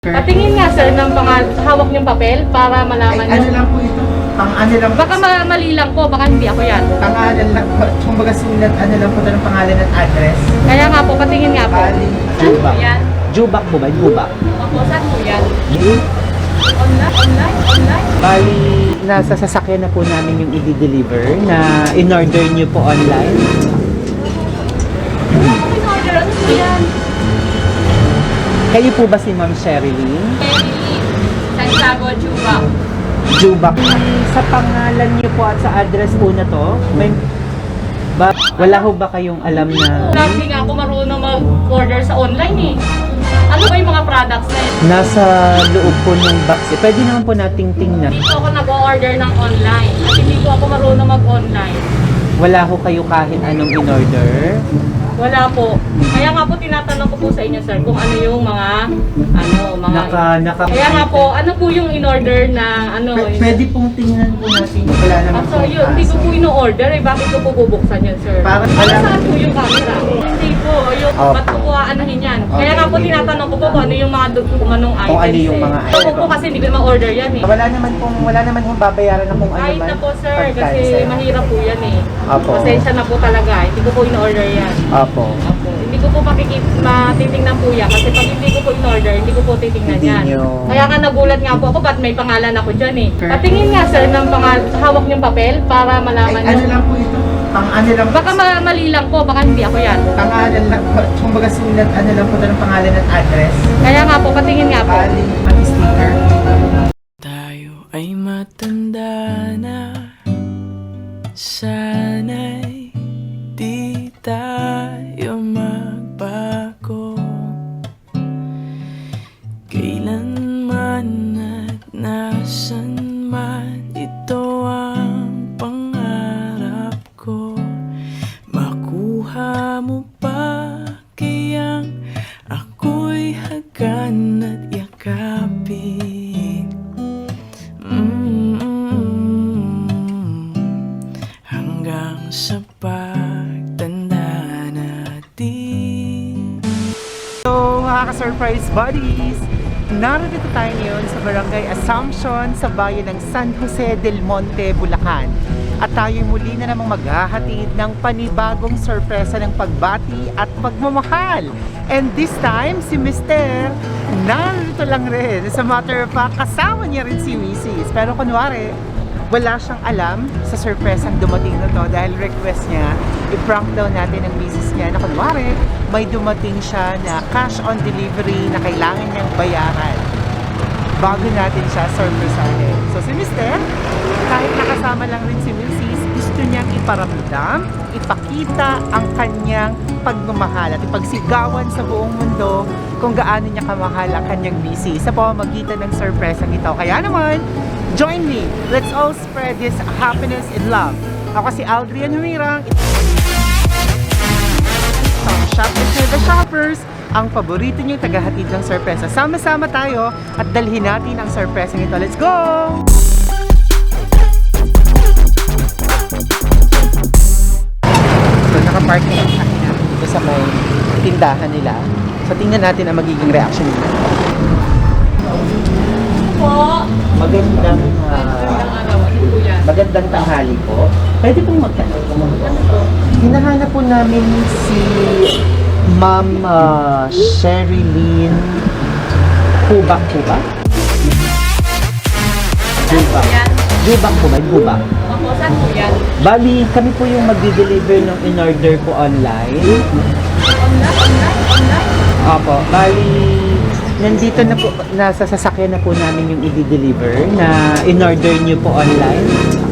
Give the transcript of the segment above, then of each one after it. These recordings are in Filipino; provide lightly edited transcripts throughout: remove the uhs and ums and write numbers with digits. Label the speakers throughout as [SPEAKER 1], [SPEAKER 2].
[SPEAKER 1] Patingin nga sir ng hawak niyong papel para malaman
[SPEAKER 2] Ano
[SPEAKER 1] niyo.
[SPEAKER 2] lang po ito? Ano lang
[SPEAKER 1] Baka mali lang po, baka hindi ako yan.
[SPEAKER 2] pangalan lang po. Kumbaga sulat, ano lang po ito ng pangalan at address.
[SPEAKER 1] Kaya nga po, patingin nga po.
[SPEAKER 2] Bali.
[SPEAKER 1] Saan po yan?
[SPEAKER 3] Jubak po ba? Jubak.
[SPEAKER 1] Opo, saan po yan? Online?
[SPEAKER 3] Bali, nasa sasakyan na po namin yung i-deliver na in-order nyo po online.
[SPEAKER 1] Wala po in-order, ano po yan?
[SPEAKER 3] Kayo po ba si Ma'am Sherilyn?
[SPEAKER 1] Santiago, Juba.
[SPEAKER 3] Jubak. Sa pangalan nyo po at sa address po na to, wala ho ba kayong alam na
[SPEAKER 1] Hindi nga ako marunong mag-order sa online eh. Ano ba yung mga products na yun?
[SPEAKER 3] nasa loob po ng box? Pwede naman po nating tingnan.
[SPEAKER 1] Hindi po ako nag-order ng online. At hindi ko ako marunong mag-online.
[SPEAKER 3] Wala ho kayo kahit anong in-order?
[SPEAKER 1] Wala po. Kaya nga po tinatanong ko po sa inyo sir kung ano yung mga Kaya nga po, ano po yung in-order na
[SPEAKER 2] Pwede pong tingnan po natin. Wala naman
[SPEAKER 1] So yun, hindi ko po in-order eh. Bakit ko po bubuksan yan sir?
[SPEAKER 2] Para
[SPEAKER 1] saan po yung camera? Hindi po. Yung, ba't ko po aanahin yan? Kaya nga po tinatanong ko po kung ano yung mga kumanong items
[SPEAKER 2] Kung ano yung mga
[SPEAKER 1] Ako po kasi hindi ko ma-order yan eh.
[SPEAKER 2] Wala naman pong babayaran na kung ano
[SPEAKER 1] Kahit
[SPEAKER 2] man.
[SPEAKER 1] na po sir, kasi
[SPEAKER 2] pag-cancel.
[SPEAKER 1] mahirap po yan eh.
[SPEAKER 2] Opo.
[SPEAKER 1] Pasensya na po talaga. Hindi ko po in-order yan.
[SPEAKER 2] Opo.
[SPEAKER 1] Opo. Hindi ko po matitingnan po yan kasi pag hindi ko po in-order, hindi ko po titingnan
[SPEAKER 2] Hindi
[SPEAKER 1] yan.
[SPEAKER 2] nyo-
[SPEAKER 1] Kaya nga nagulat nga po ako ba't may pangalan ako dyan eh. Patingin nga sir ng hawak niyong papel para malaman
[SPEAKER 2] Ano
[SPEAKER 1] niyo.
[SPEAKER 2] lang po ito? Ano lang po?
[SPEAKER 1] Baka mali lang po, baka hindi ako yan.
[SPEAKER 2] Pangalan lang po. Kumbaga sulat, ano lang po ito ng pangalan at address.
[SPEAKER 1] Kaya nga po, patingin nga po.
[SPEAKER 2] Bali. Sticker.
[SPEAKER 4] Tayo ay matanda na, sana'y di tayo magbago. Kailanman at nasan man, ito ang pangarap ko. Makuha mo pa kayang ako'y hagan at yakapin. Hanggang sa pagtanda natin.
[SPEAKER 2] So, mga ka-surprise buddies! Narito tayo ngayon sa Barangay Assumption sa bayan ng San Jose del Monte, Bulacan. At tayo muli na namang maghahatid ng panibagong sorpresa ng pagbati at pagmamahal. And this time, si Mr. narito lang rin. As a matter of fact, kasama niya rin si Mrs. Pero kunwari, wala siyang alam sa surpresang dumating na to dahil request niya, i-prank daw natin ang misis niya na kunwari, may dumating siya na cash on delivery na kailangan niyang bayaran bago natin siya surpresahin. So si Mr., kahit nakasama lang rin si Mrs., gusto niyang iparamdam, ipakita ang kanyang pagmamahal at ipagsigawan sa buong mundo kung gaano niya kamahal ang kanyang misis sa pamamagitan ng surpresang ito. Kaya naman, join me. Let's all spread this happiness and love. Ako si Aldrian Humirang. Shop with the Shoppers, ang paborito niyong tagahatid ng sorpresa. Sama-sama tayo at dalhin natin ang sorpresa nito. Let's go! So, nakapark na yung akin natin dito sa may tindahan nila. So, tingnan natin ang magiging reaction nila.
[SPEAKER 1] Po.
[SPEAKER 2] Magandang
[SPEAKER 1] Ano po yan?
[SPEAKER 2] magandang tanghali po. Pwede pong magtanong. Hinahanap po namin si Ma'am Sherilyn Hubak po ba? Hubak. Hubak po ba? Hubak.
[SPEAKER 1] Opo, saan po yan?
[SPEAKER 3] Bali, kami po yung magdi-deliver ng in-order po online.
[SPEAKER 1] Online?
[SPEAKER 3] Opo, bali, nandito na po, nasa sasakyan na po namin yung i-deliver na in-order nyo po online.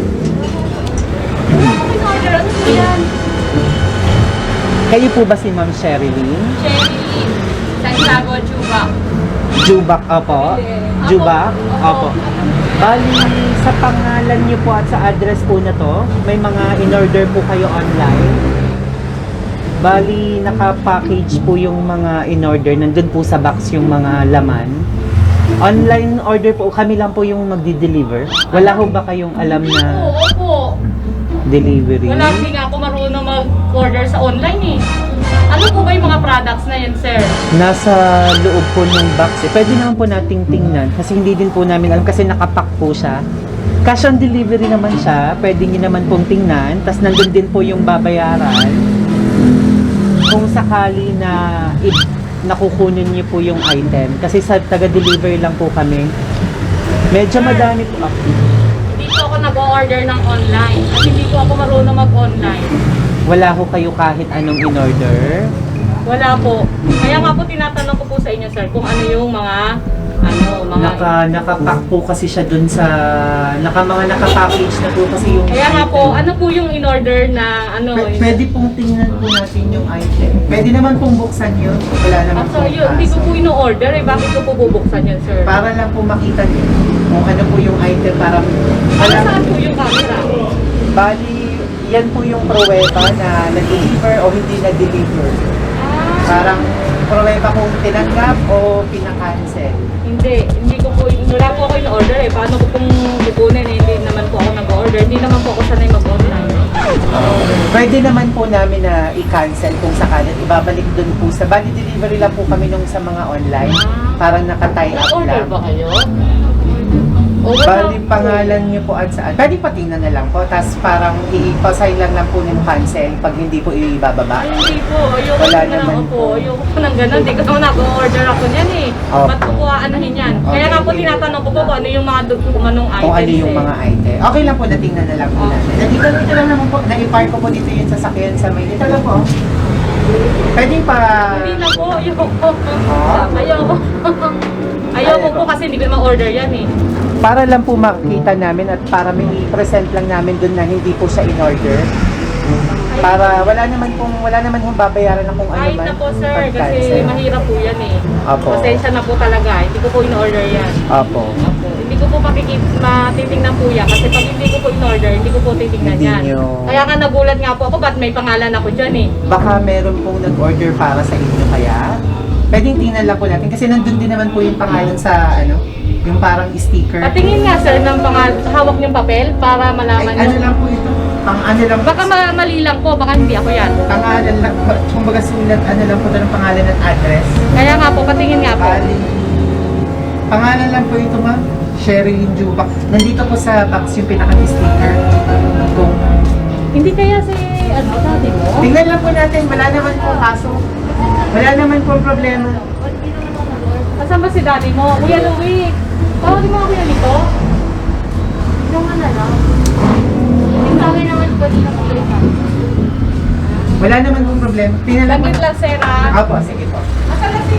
[SPEAKER 1] Wala po in-order, ano po yan?
[SPEAKER 3] Kayo po ba si Ma'am Sherilyn?
[SPEAKER 1] Cherry, Santiago, Juba.
[SPEAKER 3] Jubak, opo. Jubak, opo. Bali, sa pangalan nyo po at sa address po na to, may mga in-order po kayo online. Bali, naka-package po yung mga in-order. Nandun po sa box yung mga laman. Online order po, kami lang po yung magdi-deliver. Wala ho ba kayong alam na
[SPEAKER 1] Opo.
[SPEAKER 3] delivery?
[SPEAKER 1] Wala, hindi nga ako marunong mag-order sa online eh. Ano po ba yung mga products na yan, sir?
[SPEAKER 3] Nasa loob po ng box eh. Pwede naman po nating tingnan kasi hindi din po namin alam kasi nakapack po siya. Cash on delivery naman siya. Pwede nyo naman pong tingnan. Tapos nandun din po yung babayaran. Kung sakali na nakukunin niyo po yung item. Kasi sa taga-deliver lang po kami. Medyo madami po.
[SPEAKER 1] Hindi po ako nag-order ng online. At hindi po ako marunong mag-online.
[SPEAKER 3] Wala ho kayo kahit anong in-order.
[SPEAKER 1] Wala po. Kaya nga po tinatanong ko po sa inyo, sir, kung ano yung mga
[SPEAKER 3] Nakapack po kasi siya dun sa mga nakapackage na po kasi yung
[SPEAKER 1] Kaya nga
[SPEAKER 3] item.
[SPEAKER 1] po, ano po yung in-order na ano?
[SPEAKER 3] Pwede pong tingnan po natin yung item. Pwede naman pong buksan yun. Wala naman
[SPEAKER 1] So,
[SPEAKER 3] pong
[SPEAKER 1] yun, hindi ko
[SPEAKER 3] kaso.
[SPEAKER 1] po in-order eh. Bakit ko po bubuksan yan, sir?
[SPEAKER 3] Para lang po makita niyo kung ano po yung item para
[SPEAKER 1] Ano saan po yung camera?
[SPEAKER 3] Bali, yan po yung pruweba na nag-deliver o hindi nag-deliver. Parang pruweba kung tinanggap o pinakancel.
[SPEAKER 1] Hindi ko po, wala po ako in-order eh. Paano ko pong kukunin eh? Hindi naman po ako nag-order. Hindi naman po ako sanay mag-online.
[SPEAKER 3] Pwede naman po namin na i-cancel kung sakalit ibabalik dun po sa bali delivery lang po kami nung sa mga online. Parang naka-tie up
[SPEAKER 1] Nag-order
[SPEAKER 3] lang.
[SPEAKER 1] ba kayo?
[SPEAKER 3] Bali pangalan niyo po at saan. Pwede patingnan na lang po. Tapos parang i-pasign lang po yung cancel pag hindi po ibababa.
[SPEAKER 1] Ay, hindi po. Ayoko
[SPEAKER 3] Wala
[SPEAKER 1] na
[SPEAKER 3] naman
[SPEAKER 1] po. Ayoko po ng ganun. Hindi ko naman nag-order ako niyan eh.
[SPEAKER 3] Opo.
[SPEAKER 1] Ba't ko po aanahin yan? Kaya nga po tinatanong ko po kung ano yung mga kung anong items
[SPEAKER 3] Kung ano yung
[SPEAKER 1] eh.
[SPEAKER 3] mga item. Okay lang po, natingnan na lang po natin. Dito lang naman po, na-i-park ko po dito yung sasakyan sa may. Dito lang po. Pwede pa.
[SPEAKER 1] Hindi na po. Ayoko. Ayoko. Ayoko po kasi hindi ko naman order yan eh.
[SPEAKER 3] Para lang po makita namin at para may i-present lang namin dun na hindi po siya in-order. Para wala naman pong babayaran na kung ano
[SPEAKER 1] Kahit
[SPEAKER 3] man.
[SPEAKER 1] na po sir,
[SPEAKER 3] pag-cancel.
[SPEAKER 1] kasi mahirap po yan eh.
[SPEAKER 3] Opo.
[SPEAKER 1] Pasensya na po talaga. Hindi ko po in-order yan.
[SPEAKER 3] Opo.
[SPEAKER 1] Opo. Hindi ko po matitingnan po yan. Kasi pag hindi ko po in-order, hindi ko po titingnan
[SPEAKER 3] Hindi
[SPEAKER 1] yan.
[SPEAKER 3] nyo-
[SPEAKER 1] Kaya nga nagulat nga po ako, ba't may pangalan ako dyan eh.
[SPEAKER 3] Baka meron pong nag-order para sa inyo kaya. Pwedeng tingnan lang po natin kasi nandun din naman po yung pangalan sa yung parang sticker.
[SPEAKER 1] Patingin nga sir ng hawak niyong papel para
[SPEAKER 3] Ay,
[SPEAKER 1] malaman
[SPEAKER 3] ano
[SPEAKER 1] niyo.
[SPEAKER 3] lang po ito? Ano lang
[SPEAKER 1] Baka mali lang po, baka hindi ako yan.
[SPEAKER 3] pangalan lang, kumbaga sulat, ano lang po ito ng pangalan at address.
[SPEAKER 1] Kaya nga po, patingin nga po.
[SPEAKER 3] Bali, pangalan lang po ito ma'am, Sherilyn Jubak. Nandito po sa box yung pinaka-sticker. Kung
[SPEAKER 1] Hindi kaya si, dati mo?
[SPEAKER 3] tingnan lang po natin, wala naman po kaso. Wala naman po problema.
[SPEAKER 1] Asan ba si daddy mo? Kuya Louie, tawagin mo ako kuya nito?
[SPEAKER 5] Yung ano lang. Yung kami naman po dito po yung
[SPEAKER 3] Wala naman po problema. Tingnan lang po.
[SPEAKER 1] Langit lang sir ha?
[SPEAKER 3] Opo, sige po.
[SPEAKER 1] Asan na si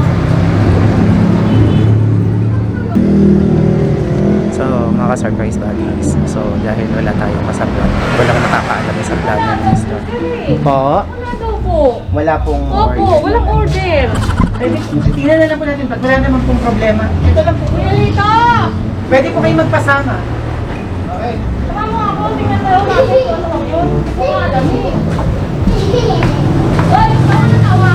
[SPEAKER 2] So, mga ka-surprise buddies. So, dahil wala tayong kasablan, walang nakakaalam sa plan ng Mr. Po,
[SPEAKER 1] Wala daw po.
[SPEAKER 3] Wala pong
[SPEAKER 1] Opo, walang order.
[SPEAKER 3] Tingnan na lang po natin. Wala naman pong problema. Ito lang po.
[SPEAKER 1] Kuya Lito!
[SPEAKER 3] Pwede po kayo magpasama.
[SPEAKER 1] Tama mo ako, tingnan tayo natin kung ano ako yun. Hindi ko alam eh. Oy, paano natawa?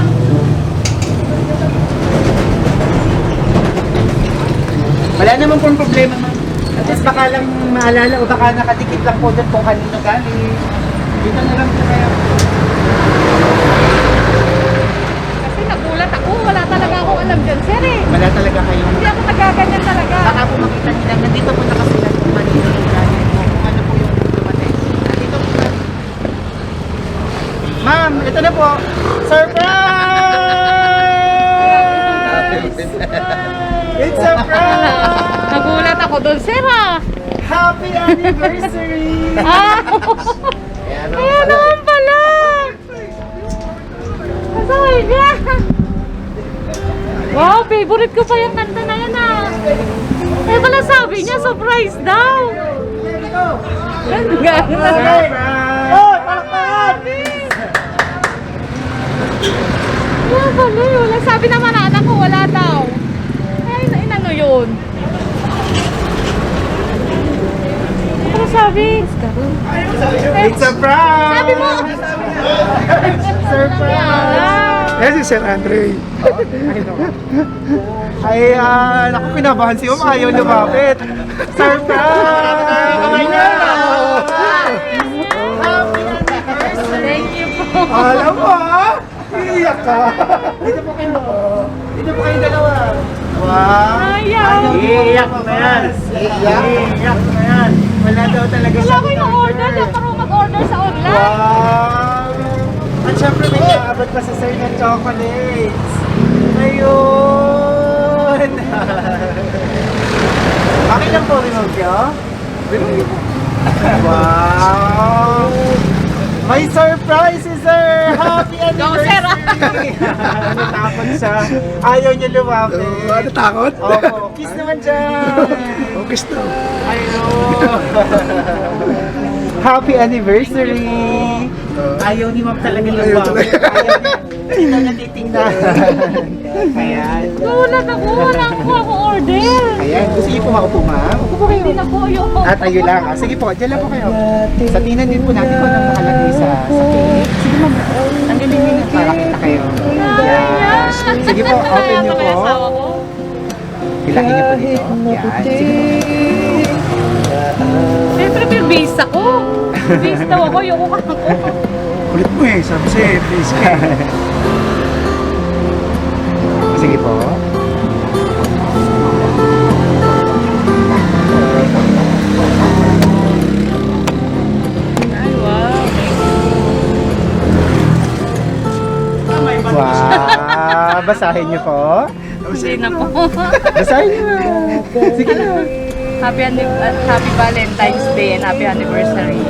[SPEAKER 3] Wala naman pong problema, ma'am. At least baka lang maalala o baka nakadikit lang po doon kung kanino galing. Dito na lang po kayo.
[SPEAKER 1] Kasi nagulat ako, wala talaga akong alam dyan sir eh.
[SPEAKER 3] Wala talaga kayong...
[SPEAKER 1] Hindi ako nagaganyan talaga.
[SPEAKER 3] Baka po makita nila, nandito po nakasulat kung kanino yung galing mo, kung ano po yung dumating. Nandito po na. Ma'am, ito na po. Surprise! It's a prank!
[SPEAKER 1] Nagulat ako doon sir ha.
[SPEAKER 3] Happy anniversary!
[SPEAKER 1] Ah, kaya naman pala. Masaya niya. Wow, favorite ko pa yung kanta na yan ah. Eh pala sabi niya, surprise daw.
[SPEAKER 3] Surprise! Oh, palakpakan!
[SPEAKER 1] Wala pala yun. Sabi naman na anak ko, wala daw. Ay, inano yun? Ano sabi?
[SPEAKER 3] It's a prank!
[SPEAKER 1] Sabi mo!
[SPEAKER 3] Surprise!
[SPEAKER 2] Yes, si Sir Andre.
[SPEAKER 3] Ay, naku, kinabahan si ayaw lumapit. Surprise! Kamay na!
[SPEAKER 1] Thank you po.
[SPEAKER 3] Alam mo, ha?
[SPEAKER 2] Iiyak ka. Dito po kayo. Dito po kayo dalawa. Wow.
[SPEAKER 1] Ayaw.
[SPEAKER 3] Iiyak na yan.
[SPEAKER 2] Iiyak na yan. Wala daw talaga
[SPEAKER 1] Wala
[SPEAKER 2] siyang
[SPEAKER 1] ko yung order. Dapat ako mag-order sa online.
[SPEAKER 2] Wow! At syempre may kaabot pa sa sir ng chocolates. Ayun! Okay lang po, remove nyo? Wow! May surprise si sir! Happy anniversary! Natakot siya. Ayaw niya lumapit.
[SPEAKER 6] Ano takot?
[SPEAKER 2] Opo. Kiss naman dyan!
[SPEAKER 6] Okay na.
[SPEAKER 2] Ayun! Happy anniversary! Ayaw ni ma'am talaga lumapit. Ayaw niya. Sino na titingnan? Ayan.
[SPEAKER 1] Nagulat ako. Wala ako order.
[SPEAKER 2] Ayan. Gusto niyo po makaupo ma'am? Upo po kayo.
[SPEAKER 1] Hindi na po yung...
[SPEAKER 2] At ayun lang. Ah, sige po, dyan lang po kayo. Sa tingnan din po natin kung anong nakalagay sa cake. Sige ma'am, tanggalin niyo na para kita kayo. Yan. Sige po, open niyo po. Bilangin niyo po dito. Yan. Sige po.
[SPEAKER 1] Siyempre may visa ko. Visa daw ako. Yung kuka ko.
[SPEAKER 6] Kulit mo eh, sabi sa'yo, please.
[SPEAKER 2] Sige po.
[SPEAKER 1] Ay, wow.
[SPEAKER 2] Wow! Basahin niyo po.
[SPEAKER 1] Hindi na po.
[SPEAKER 2] Basahin niyo. Sige na.
[SPEAKER 1] Happy Valentine's Day and happy anniversary.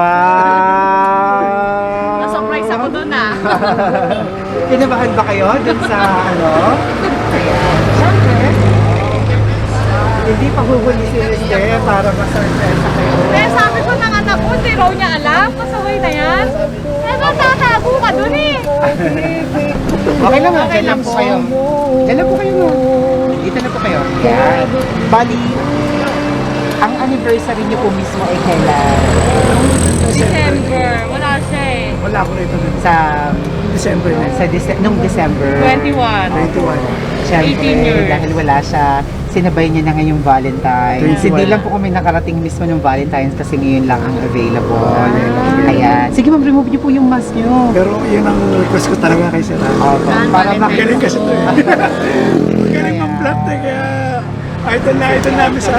[SPEAKER 2] Wow!
[SPEAKER 1] Na-surprise ako dun ah.
[SPEAKER 2] Kinabahan ba kayo dun sa ano? Ayan. Siyempre. Hindi pa huhuli si Mister para ma-surprise kayo.
[SPEAKER 1] Kaya sabi ko ng anak ko, hindi raw niya alam. Pasaway na yan. Eh, matatago ka dun eh.
[SPEAKER 2] Okay lang ha, dyan lang po kayo. Dyan lang po kayo mo. Dito na po kayo. Yan. Bali, ang anniversary niyo po mismo ay kailan?
[SPEAKER 1] December. Wala siya eh.
[SPEAKER 6] Wala ko rito nun.
[SPEAKER 2] Sa
[SPEAKER 6] December na.
[SPEAKER 2] nung December.
[SPEAKER 1] 21.
[SPEAKER 6] 21.
[SPEAKER 2] Siyempre,
[SPEAKER 1] 18 years.
[SPEAKER 2] dahil wala siya, sinabay niya na ngayong Valentine's.
[SPEAKER 6] 21.
[SPEAKER 2] Hindi lang po kami nakarating mismo ng Valentine's kasi ngayon lang ang available. Ayan. Sige ma'am, remove niyo po yung mask niyo.
[SPEAKER 6] Pero yun ang request ko talaga kay Sir.
[SPEAKER 2] Opo, para
[SPEAKER 1] Valentine's.
[SPEAKER 6] Magaling kasi ito eh. Magaling
[SPEAKER 2] Ayan.
[SPEAKER 6] mag-plot eh, kaya idol namin sa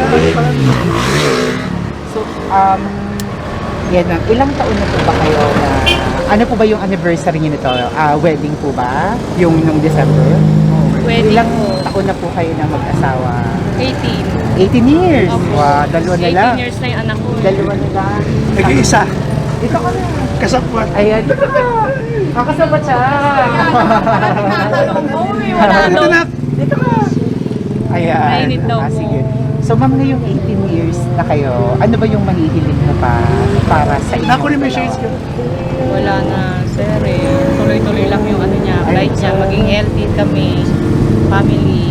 [SPEAKER 2] So, yan ma'am. Ilang taon na po ba kayo na, ano po ba yung anniversary niyo nito? Wedding po ba? Yung nung December?
[SPEAKER 1] Wedding
[SPEAKER 2] Ilang
[SPEAKER 1] po.
[SPEAKER 2] taon na po kayo na mag-asawa?
[SPEAKER 1] 18.
[SPEAKER 2] 18 years!
[SPEAKER 1] Opo.
[SPEAKER 2] Wow, dalawa na
[SPEAKER 1] 18
[SPEAKER 2] lang.
[SPEAKER 1] years na yung anak ko.
[SPEAKER 2] Dalawa na lang.
[SPEAKER 6] nag-iisa.
[SPEAKER 2] Dito ka na.
[SPEAKER 6] Kasapwat.
[SPEAKER 2] Ayan, dito ka. Kakasabat siya.
[SPEAKER 1] Tinatanong ko eh. Wala daw.
[SPEAKER 2] Dito ka. Ayan.
[SPEAKER 1] Mainit daw po.
[SPEAKER 2] Sige. So ma'am, ngayong 18 years na kayo, ano ba yung mahihiling na pa para sa inyo?
[SPEAKER 6] Nakunin mo yung shades ko.
[SPEAKER 1] Wala na, sir eh. Tuloy-tuloy lang yung ano niya, flight niya. Maging healthy kami, family.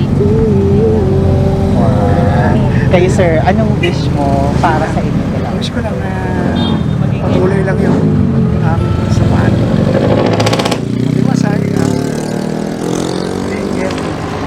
[SPEAKER 2] Wow. Kayo sir, anong wish mo para sa inyo dalawa?
[SPEAKER 6] Wish ko lang na
[SPEAKER 1] Maging
[SPEAKER 6] patuloy lang yung samahan. Maliwasay, being healthy.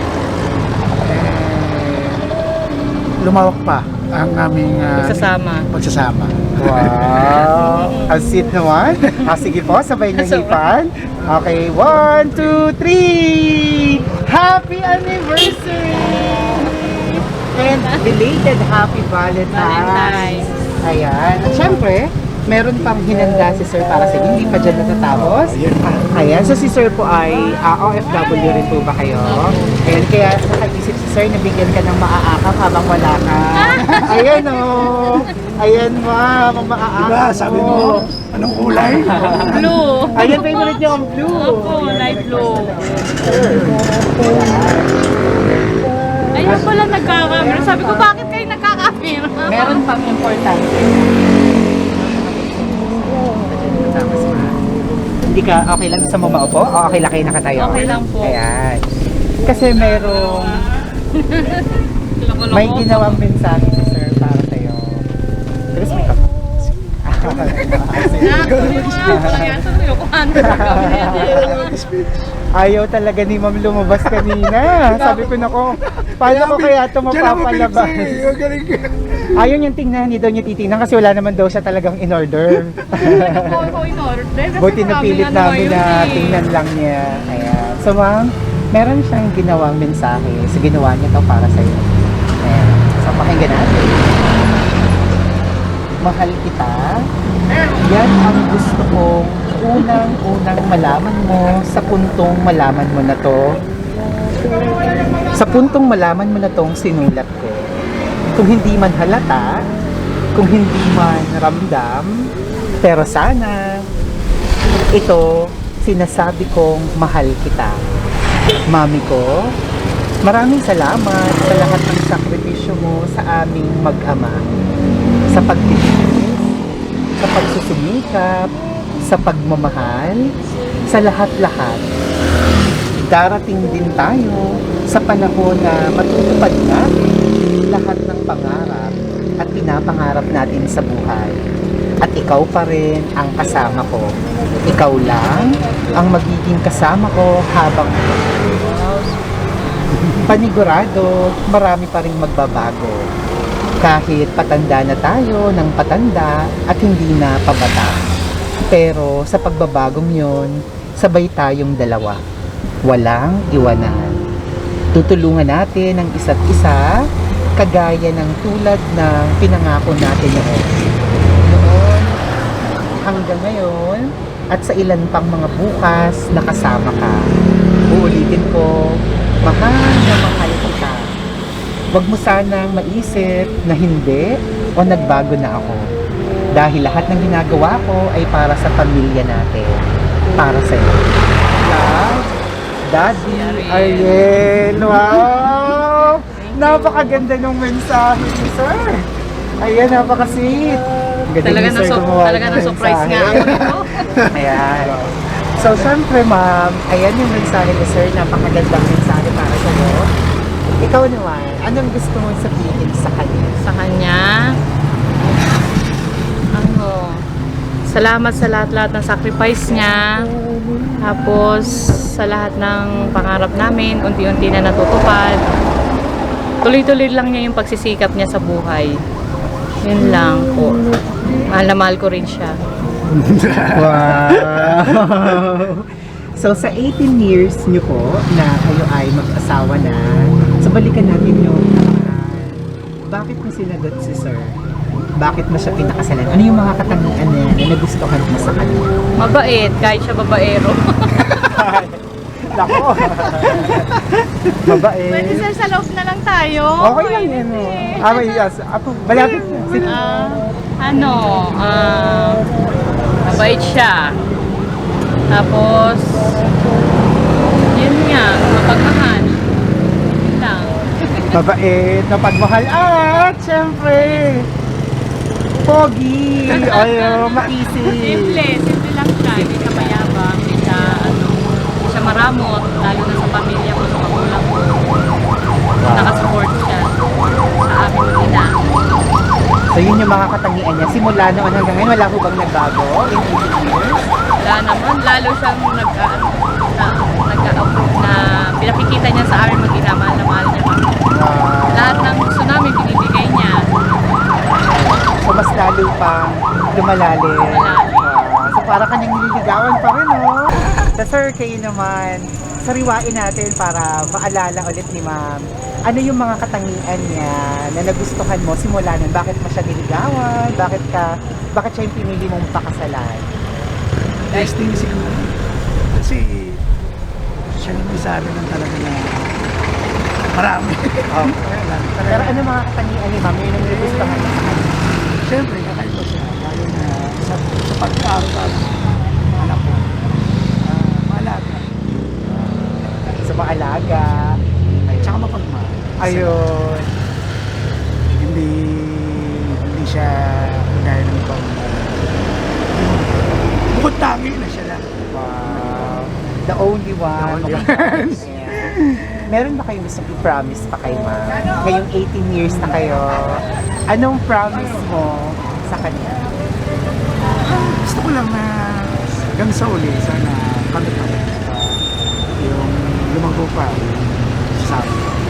[SPEAKER 6] Lumawak pa ang aming pagsasama.
[SPEAKER 2] Wow! Ang sweet naman. Sige po, sabay niyo hipan. Okay, 1, 2, 3! Happy anniversary! And belated happy Valentine's! Ayan. At syempre, meron pang hinanda si Sir para sa inyo. Hindi pa dyan natatapos. Ayan. So si Sir po ay OFW rin po ba kayo? Ayan. Kaya nakaisip si Sir na bigyan ka ng maaakap habang wala ka. Ayan o. Ayan ma'am. Ang maaakap
[SPEAKER 6] Diba, sabi mo, anong kulay?
[SPEAKER 1] blue.
[SPEAKER 2] Ayan, favorite niyo ang blue.
[SPEAKER 1] Opo, light blue. Ayun pala nagkakamera. Sabi ko, bakit kayo nagkakamera?
[SPEAKER 2] Meron pang importante. Hindi ka okay lang sa mo maupo? O okay lang kayo nakatayo?
[SPEAKER 1] Okay lang po.
[SPEAKER 2] Ayan. Kasi merong
[SPEAKER 1] Loko-loko.
[SPEAKER 2] may ginawang mensahe si Sir para sa'yo. Pero may kapag. Ayaw talaga ni Ma'am lumabas kanina. Sabi ko nako, paano ko kaya ito mapapalabas?
[SPEAKER 6] Magaling ka.
[SPEAKER 2] Ayaw niyang tingnan, hindi daw niya titingnan kasi wala naman daw siya talagang in-order.
[SPEAKER 1] Ko in order. Kasi
[SPEAKER 2] Buti napilit
[SPEAKER 1] maraming
[SPEAKER 2] namin
[SPEAKER 1] ngayon
[SPEAKER 2] na
[SPEAKER 1] eh.
[SPEAKER 2] tingnan lang niya. Ayan. So ma'am, meron siyang ginawang mensahe. So ginawa niya to para sa'yo. Ayan. So pakinggan natin. Mahal kita. Yan ang gusto kong unang-unang malaman mo sa puntong malaman mo na to. Sa puntong malaman mo na tong sinulat ko. Kung hindi man halata, kung hindi man ramdam, pero sana, ito, sinasabi kong mahal kita. Mami ko, maraming salamat sa lahat ng sakripisyo mo sa aming mag-ama. Sa pagtitiis, sa pagsusumikap, sa pagmamahal, sa lahat-lahat. Darating din tayo sa panahon na matutupad natin lahat ng pangarap at pinapangarap natin sa buhay. At ikaw pa rin ang kasama ko. Ikaw lang ang magiging kasama ko habang panigurado, marami pa rin magbabago. Kahit patanda na tayo ng patanda at hindi na pabata. Pero sa pagbabagong yon, sabay tayong dalawa. Walang iwanan. Tutulungan natin ang isa't isa kagaya ng tulad ng pinangako natin noon hanggang ngayon at sa ilan pang mga bukas na kasama ka. Uulitin ko, mahal na mahal kita. Huwag mo sanang maisip na hindi o nagbago na ako. Dahil lahat ng ginagawa ko ay para sa pamilya natin. Para sa iyo. Love, Daddy Ariel. Wow! Napakaganda ng mensahe ni Sir. Ayan, napaka-sweet.
[SPEAKER 1] Talaga na surprise nga ako nito.
[SPEAKER 2] Ayan. So, syempre ma'am, ayan yung mensahe ni Sir. Napakagandang mensahe para sa iyo. Ikaw naman, anong gusto mong sabihin sa kanya?
[SPEAKER 1] Sa kanya, salamat sa lahat-lahat ng sacrifice niya. Tapos, sa lahat ng pangarap namin, unti-unti na natutupad. Tuloy-tuloy lang niya yung pagsisikap niya sa buhay. Yun lang po. Mahal na mahal ko rin siya.
[SPEAKER 2] Wow! So, sa 18 years niyo po na kayo ay mag-asawa na, so balikan natin yung bakit mo sinagot si Sir? Bakit mo siya pinakasalan? Ano yung mga katangian niya na nagustuhan mo sa kanya?
[SPEAKER 1] Mabait, kahit siya babaero.
[SPEAKER 2] Lako! Mabait.
[SPEAKER 1] Pwede sir, sa loob na lang tayo.
[SPEAKER 2] Okay lang yan. May yes. Ako, malapit na. Sige.
[SPEAKER 1] Mabait siya. Tapos, yun nga, mapagmahal. Yun lang.
[SPEAKER 2] Mabait, napagmahal. At, syempre, pogi. Ay, maisip.
[SPEAKER 1] Simple lang siya. Hindi siya mayabang, hindi siya maramot, lalo na sa pamilya ko, sa magulang ko. Nakasupport siya sa amin ng ina.
[SPEAKER 2] So, yun yung mga katangian niya. Simula noon hanggang ngayon, wala ko bang nagbago in 18 years?
[SPEAKER 1] Wala naman, lalo siyang nag-approve na pinakikita niya sa amin mag-ina, mahal na mahal niya kami. Lahat ng gusto namin, binibigay niya.
[SPEAKER 2] So, mas lalo pang lumalalim. So, para kanyang nililigawan pa rin, no? So, sir, kayo naman, sariwain natin para maalala ulit ni ma'am. Ano yung mga katangian niya na nagustuhan mo simula nun? Bakit mo siya niligawan? Bakit siya yung pinili mong pakasalan?
[SPEAKER 6] Testing siguro. Kasi siya yung may sabi ng talaga na marami.
[SPEAKER 2] Pero ano mga katangian ni ma'am? Yun ang nagustuhan mo sa kanya?
[SPEAKER 6] Siyempre, kakaiba siya. Lalo na sa pagkaaral anak ko. Maalaga.
[SPEAKER 2] Sa maalaga.
[SPEAKER 6] Tsaka mapagmahal.
[SPEAKER 2] Ayun.
[SPEAKER 6] Hindi siya gaya ng ibang bukod tangi na siya lang.
[SPEAKER 2] Wow. The only one.
[SPEAKER 6] The only one.
[SPEAKER 2] Yeah. Meron ba kayong gustong i-promise pa kay ma'am? Ngayong 18 years na kayo, anong promise mo sa kanya?
[SPEAKER 6] Gusto ko lang na hanggang sa uli, sana kami pa rin. susubo pa. Sabi.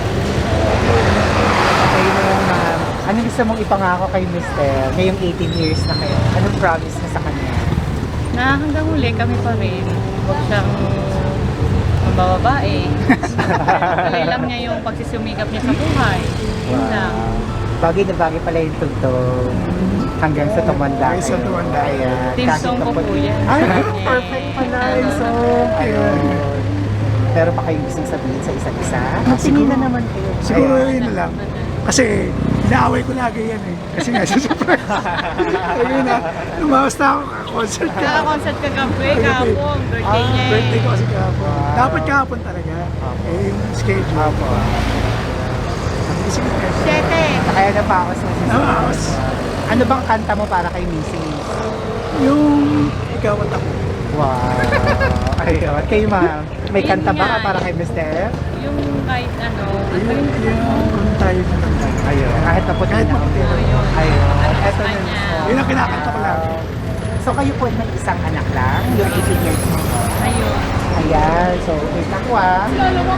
[SPEAKER 2] Okay na ma'am. Ano gusto mong ipangako kay Mr. Ngayong 18 years na kayo? Anong promise mo sa kanya?
[SPEAKER 1] Na hanggang huli kami pa rin. Huwag siyang mabababae. Tuloy lang niya yung pagsisumikap niya sa buhay. Yun lang.
[SPEAKER 2] Bagay na bagay pala yung tugtog. Hanggang sa tumanda.
[SPEAKER 6] Hanggang sa tumanda.
[SPEAKER 2] Ayan.
[SPEAKER 1] Team
[SPEAKER 2] Kahit
[SPEAKER 1] song ko
[SPEAKER 2] kapag-
[SPEAKER 1] po yan.
[SPEAKER 2] Ay, perfect pala yung song. Ayun. Pero pa kayo gustong sabihin sa isa't isa? Tingin na naman kayo.
[SPEAKER 6] Siguro
[SPEAKER 2] Ayan.
[SPEAKER 6] yun na lang. Kasi inaaway ko lagi yan eh. Kasi nga sa surprise. Ayun na, lumawas na ako concert ka.
[SPEAKER 1] Kaka-concert kagabi, kahapon, birthday niya eh.
[SPEAKER 6] Birthday ko kasi kahapon. Dapat kahapon talaga. Eh, yung schedule.
[SPEAKER 2] Apo.
[SPEAKER 6] Sige,
[SPEAKER 2] Kaya na pa ako sa
[SPEAKER 6] Namaos.
[SPEAKER 2] Ano bang kanta mo para kay Missy?
[SPEAKER 6] Yung ikaw at ako.
[SPEAKER 2] Wow. Ayun. Kayo ma'am, may
[SPEAKER 1] Yun
[SPEAKER 2] kanta ba
[SPEAKER 1] nga.
[SPEAKER 2] para kay Mr.?
[SPEAKER 1] Yung kahit ano,
[SPEAKER 6] Yung tayo na lang.
[SPEAKER 2] Ayun. Kahit naputi
[SPEAKER 6] Kahit
[SPEAKER 2] na.
[SPEAKER 6] maputi na.
[SPEAKER 1] yun.
[SPEAKER 2] Ayun. Eto na
[SPEAKER 1] Kanya.
[SPEAKER 6] Yun ang kinakanta ko lang.
[SPEAKER 2] So kayo po may isang anak lang, yung 18 years mo.
[SPEAKER 1] Ayun.
[SPEAKER 2] Ayan, so wait ako ah.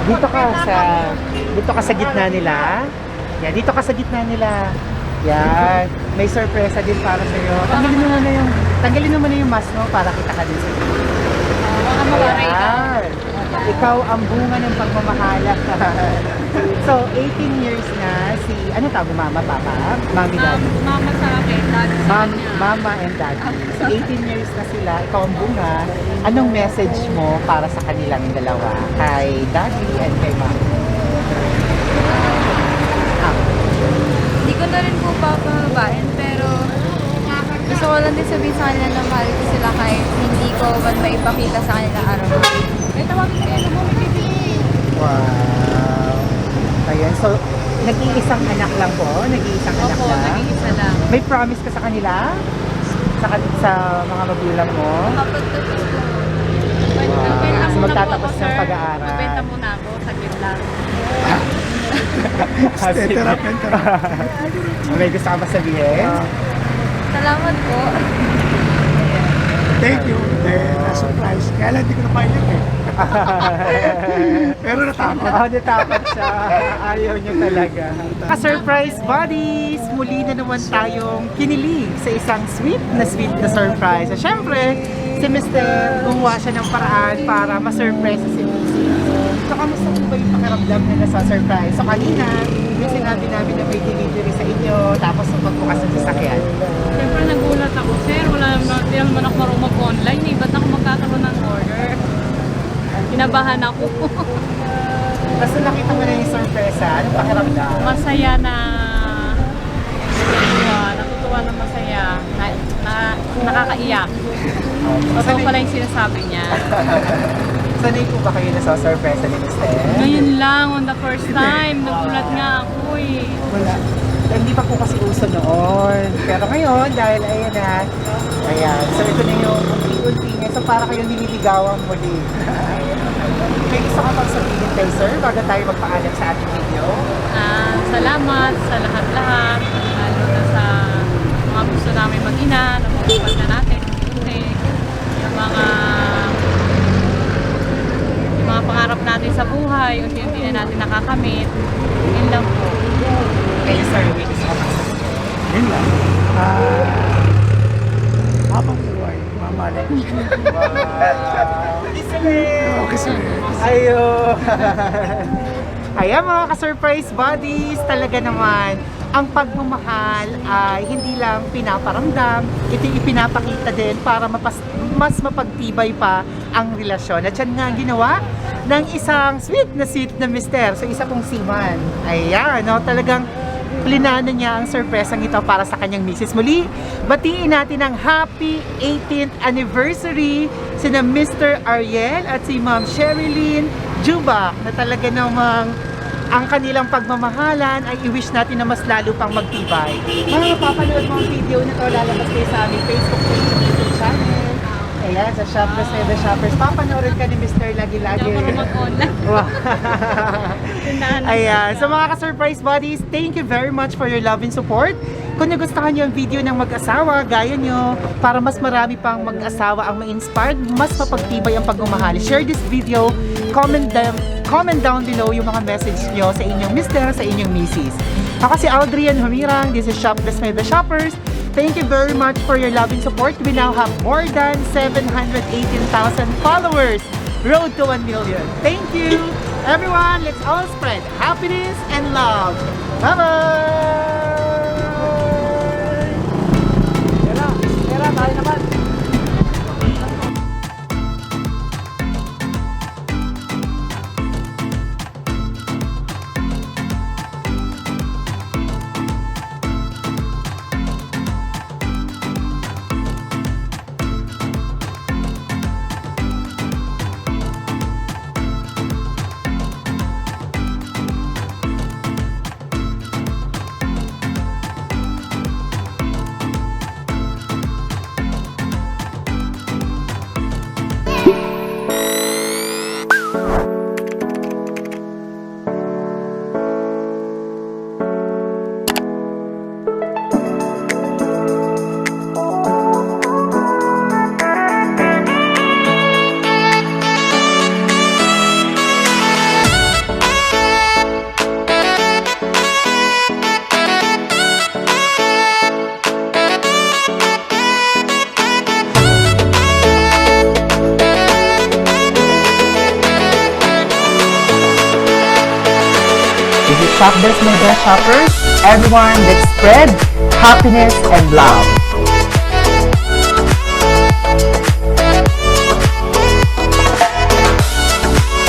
[SPEAKER 2] Dito ka sa gitna nila. Yan, dito ka sa gitna nila. Yan, may sorpresa din para sa iyo. Tanggalin mo na yung mask mo para kita ka din sa iyo.
[SPEAKER 1] Mga mawaray ka.
[SPEAKER 2] Ayan. Ikaw ang bunga ng pagmamahala. So, 18 years na si, ano tawag mo, mama, papa? Mami, daddy?
[SPEAKER 1] Mama sa akin, dati sa kanya.
[SPEAKER 2] Mama and daddy. So, 18 years na sila, ikaw ang bunga. Anong message mo para sa kanilang dalawa? Kay daddy and kay mama?
[SPEAKER 5] Hindi ko na rin po papababain, pero gusto ko lang din sabihin sa kanila na mahal ko sila kahit hindi ko man maipakita sa kanila araw-araw. May tawagin kayo mo,
[SPEAKER 2] Wow. Ayan, so, nag-iisang anak lang po? Nag-iisang anak
[SPEAKER 1] Opo,
[SPEAKER 2] lang?
[SPEAKER 1] nag-iisa lang.
[SPEAKER 2] May promise ka sa kanila? Sa mga magulang mo?
[SPEAKER 5] Kapagtapos ko,
[SPEAKER 1] Magbenta
[SPEAKER 2] So,
[SPEAKER 1] muna po
[SPEAKER 2] magtatapos
[SPEAKER 1] ako,
[SPEAKER 2] ng
[SPEAKER 1] sir.
[SPEAKER 2] pag-aaral.
[SPEAKER 1] Magbenta muna ako, saglit lang.
[SPEAKER 6] Interrupt.
[SPEAKER 2] May gusto ka ba sabihin?
[SPEAKER 5] salamat po.
[SPEAKER 6] Thank you. Na-surprise. Kaya lang hindi ko napailit eh. Pero natakot.
[SPEAKER 2] Natakot siya. Ayaw niya talaga. Ka-surprise buddies! Muli na naman tayong kinilig sa isang sweet na surprise. At syempre, si Mr. gumawa siya ng paraan para ma-surprise si Missy. So, kamusta po ba yung pakiramdam na nasa surprise? So, kanina, yung sinabi namin na may delivery sa inyo, tapos nung pagbukas ng sasakyan.
[SPEAKER 1] Siyempre nagulat ako, sir. Di naman ako marunong mag-online. Eh. Ba't ako magkakaroon ng order? Kinabahan ako.
[SPEAKER 2] Tapos nung nakita mo na yung surprise, anong pakiramdam?
[SPEAKER 1] Masaya na natutuwa na masaya. Nakakaiyak. Totoo pala yung sinasabi niya.
[SPEAKER 2] Sanay po ba kayo nasa surprise ni Mr.?
[SPEAKER 1] Ngayon lang, on the first time, nagulat nga ako eh.
[SPEAKER 2] Wala. Hindi pa po kasi uso noon. Pero ngayon, dahil ayan na, ayan. So ito na yung unti-unti niya. So para kayong nililigawan muli. May gusto ka pang sabihin kay sir bago tayo magpaalam sa ating video?
[SPEAKER 1] Salamat sa lahat-lahat. Lalo na sa mga gusto namin mag-ina, napapagpag na natin. Kasi yung mga pangarap natin sa buhay, unti-unti na natin nakakamit. Yun lang po.
[SPEAKER 2] Kay sir, may gusto ka pang sabihin.
[SPEAKER 6] Yun lang. Habang buhay, mamali ko siya. Okay, sir.
[SPEAKER 2] Ayo. Ayan mga ka-surprise buddies, talaga naman ang pagmamahal ay hindi lang pinaparamdam, ito ipinapakita din para mas mapagtibay pa ang relasyon. At yan nga ang ginawa ng isang sweet na mister. So isa pong seaman. Ayan, no, talagang plinano niya ang sorpresang ito para sa kanyang misis. Muli, batiin natin ang happy 18th anniversary sina Mr. Ariel at si Ma'am Sherilyn Jubak na talaga namang ang kanilang pagmamahalan ay i-wish natin na mas lalo pang magtibay. Mga mapapanood mo ang video na to, lalabas kayo sa aming Facebook page at YouTube channel. Ayan, sa Shoppers and the Shoppers. Papanoorin ka ni Mr. Lagi-Lagi.
[SPEAKER 1] Hindi ako mag-online.
[SPEAKER 2] Wow.
[SPEAKER 1] Tindahan na
[SPEAKER 2] Ayan. So mga ka-surprise buddies, thank you very much for your love and support. Kung nagustuhan nyo ang video ng mag-asawa, gaya nyo, para mas marami pang mag-asawa ang ma-inspired, mas mapagtibay ang pagmamahal. Share this video, comment comment down below yung mga message nyo sa inyong mister, sa inyong misis. Ako si Aldrian Humirang. This is Shop Bless My Best Shoppers. Thank you very much for your love and support. We now have more than 718,000 followers. Road to 1 million. Thank you. Everyone, let's all spread happiness and love. Bye-bye! Shop Bless My Best Shoppers. Everyone, let's spread happiness and love.